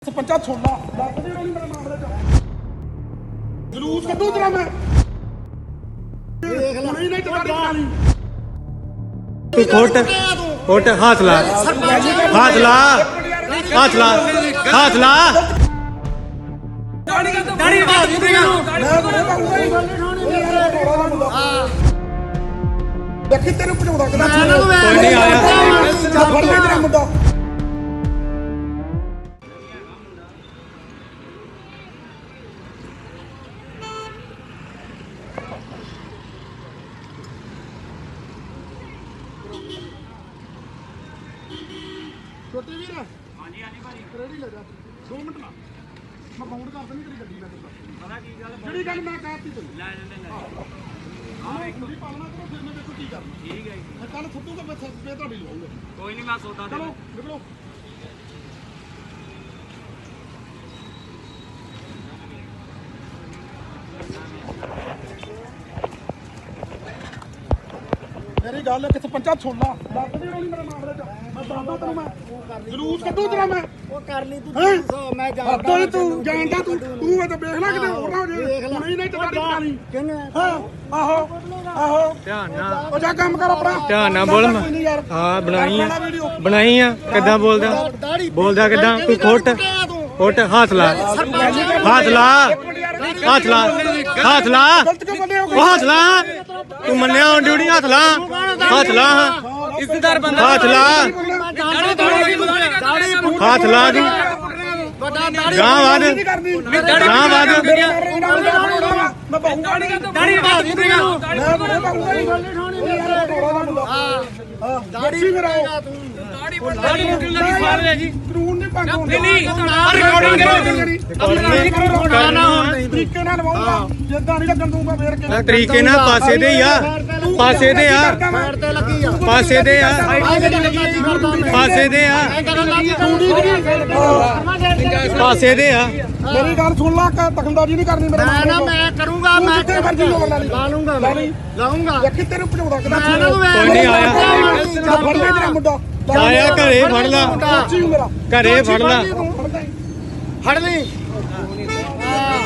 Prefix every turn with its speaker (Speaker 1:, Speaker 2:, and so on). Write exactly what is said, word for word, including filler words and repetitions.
Speaker 1: ਸਰਪੰਚਾ ਛੋਲਾ ਲੱਗਦੇ ਨਹੀਂ ਮੇਰੇ ਮਾਮਲੇ ਚ ਜਲੂਸ ਕੱਢੂ ਤੇਰਾ ਮੈਂ ਦੇਖ ਲੈ ਨਹੀਂ ਟਕਾਰੀ ਵਾਲੀ
Speaker 2: ਤੂੰ ਕੋਟ ਕੋਟ ਹੱਥ ਲਾ ਹੱਥ ਲਾ ਹੱਥ ਲਾ ਹੱਥ ਲਾ
Speaker 1: ਦਾੜੀ ਬਾਤ ਦੇਖੀ ਤੈਨੂੰ ਭਜਾਉਂਦਾ ਕਿਦਾਂ
Speaker 2: ਕੋਈ ਨਹੀਂ ਆਇਆ
Speaker 1: ਫੜ ਲੈ ਤੇਰਾ ਮੁੰਡਾ ਛੋਟੇ ਵੀਰ ਹਾਂਜੀ ਹਾਂਜੀ ਭਾਈ ਰੈਡੀ ਲੈ ਜਾ ਦੋ ਮਿੰਟ ਲਾ ਮੈਂ ਬਾਉਂਡ ਕਰ ਦਿੰਦੀ ਤੇਰੀ ਗੱਡੀ ਨਾਲ ਪਤਾ ਕੀ ਗੱਲ ਜਿਹੜੀ ਗੱਲ ਮੈਂ ਕਹਿਤੀ ਤੈਨੂੰ ਲੈ ਜਾਂਦੇ ਲੈ ਹਾਂ ਇੱਕ ਦੀ ਪਾਲਣਾ ਕਰੋ ਫਿਰ ਮੈਂ ਦੇਖੋ ਕੀ ਕਰਨਾ ਠੀਕ ਹੈ ਜੀ ਕੱਲ ਫੁੱਟੂ ਤਾਂ ਮੈਂ ਸੱਪੇ ਤੁਹਾਡੀ ਲਵਾਉਂਗਾ
Speaker 3: ਕੋਈ ਨਹੀਂ ਮੈਂ ਸੌਦਾ ਦੇ
Speaker 1: ਚਲੋ ਨਿਕਲੋ ਮੇਰੀ ਗੱਲ ਕਿੱਥੇ ਪੰਚਾ ਛੋਲਾ ਲੱਗਦੇ ਨਹੀਂ ਮੇਰੇ ਮਾਮਲੇ ਚ ਮੈਂ ਦੱਸਦਾ ਤੈਨੂੰ ਮੈਂ ਜਲੂਸ ਕੱਢੂ ਤੇਰਾ ਮੈਂ
Speaker 4: ਉਹ ਕਰ ਲਈ ਤੂੰ
Speaker 1: ਹੈਂ?
Speaker 4: ਦੱਸੋ ਮੈਂ
Speaker 1: ਹੱਦੋਂ
Speaker 4: ਜਾਣਦਾ
Speaker 1: ਤੂੰ ਜਾਣਦਾ ਤੂੰ ਤੂੰ ਇਹ ਤਾਂ ਵੇਖ ਲੈ ਕਿਤੇ ਹੋਰ ਨਾ ਹੋ ਜੇ ਨਹੀਂ ਨਹੀਂ ਟਕਾਰੀ ਪਾਣੀ
Speaker 4: ਕਿਹਨੇ
Speaker 1: ਹਾਂ ਆਹੋ ਆਹੋ
Speaker 2: ਧਿਆਨ ਨਾਲ
Speaker 1: ਉਹ ਜਾ ਕੰਮ ਕਰ ਆਪਣਾ
Speaker 2: ਧਿਆਨ ਨਾਲ ਬੋਲ
Speaker 1: ਕੋਈ ਨਹੀਂ ਯਾਰ
Speaker 2: ਹਾਂ ਬਣਾਈ ਆ
Speaker 1: ਆਪਣਾ ਵੀਡੀਓ
Speaker 2: ਬਣਾਈ ਆ ਕਿੱਦਾਂ ਬੋਲਦਾ ਬੋਲਦਾ ਕਿੱਦਾਂ ਤੂੰ ਕੋਟ ਕੋਟ ਹੱਥ ਲਾ ਹੱਥ ਲਾ ਹੱਥ ਲਾ ਹੱਥ ਲਾ
Speaker 1: ਗਲਤ ਕਿਉਂ ਬੰਦੇ ਹੋ
Speaker 2: ਉਹ ਹੱਥ ਲਾ ਤੂੰ ਮੰਨਿਆ ਔਨ ਡਿਊਟੀ ਹੱਥ ਲਾ ਹੱਥ ਲਾ
Speaker 3: ਇੱਜ਼ਤਦਾਰ ਬੰਦਾ
Speaker 2: ਹੱਥ ਲਾ ਹੱਥ ਲਾ ਤੂੰ ਗਾਂ ਵਾਦ ਗਾਂ ਵਾਦ
Speaker 1: ਮੈਂ ਬਾਹੂਗਾ ਨਹੀਂ
Speaker 3: ਦਾੜੀ ਬਾਤ
Speaker 1: ਮੈਂ ਬਾਹੂਗਾ ਨਹੀਂ ਹਾਂ ਦਾੜੀ ਮੇਰਾ
Speaker 3: ਦਾੜੀ ਮੁੱਢੀ ਲੱਗੀ ਫਾੜ ਲੈ ਜੀ
Speaker 1: ਕਾਨੂੰਨ ਨਹੀਂ ਭੰਗ ਹੁੰਦਾ
Speaker 3: ਨਹੀਂ ਨਹੀਂ ਰਿਕਾਰਡਿੰਗ ਕਰੋ
Speaker 1: ਤਰੀਕੇ ਨਾਲ ਲਵਾਉਂਗਾ ਜਿੱਦਾਂ ਨਹੀਂ ਲੱਗਣ ਦੂੰਗਾ ਫੇਰ ਕੇ
Speaker 2: ਤਰੀਕੇ ਨਾਲ ਪਾਸੇ ਦੇ ਹੀ ਆ ਪਾਸੇ ਦੇ ਆ
Speaker 4: ਸਾਈਡ ਤੇ ਲੱਗੀ ਆ
Speaker 2: ਪਾਸੇ ਦੇ ਆ ਪਾਸੇ ਦੇ ਆ ਪਾਸੇ ਦੇ ਆ
Speaker 1: ਮੇਰੀ ਗੱਲ ਸੁਣ ਲਾ ਕਿ ਦਖਲਅੰਦਾਜ਼ੀ ਨਹੀਂ ਕਰਨੀ ਮੇਰੇ
Speaker 4: ਮੈਂ ਨਾ ਮੈਂ ਕਰੂੰਗਾ ਮੈਂ
Speaker 1: ਜਿੱਥੇ ਮਰਜ਼ੀ ਲੋੜ ਲਾ ਲਈ
Speaker 4: ਲਾ ਲੂੰਗਾ ਮੈਂ ਲਾਉਂਗਾ
Speaker 1: ਦੇਖੀ ਤੈਨੂੰ ਭਜਾਉਂਦਾ ਕਿਦਾਂ
Speaker 4: ਮੈਂ ਨਾ
Speaker 2: ਕੋਈ ਨਹੀਂ ਆਇਆ
Speaker 1: ਫੜ ਲੈ ਤੇਰਾ ਮੁੰਡਾ
Speaker 2: ਆਇਆ ਘਰੇ ਫੜ ਲਾ
Speaker 1: ਸੱਚੀ ਮੇਰਾ
Speaker 2: ਘਰੇ ਫੜ ਲਾ
Speaker 1: ਫੜ ਲੈ
Speaker 4: ਫੜ ਲਈ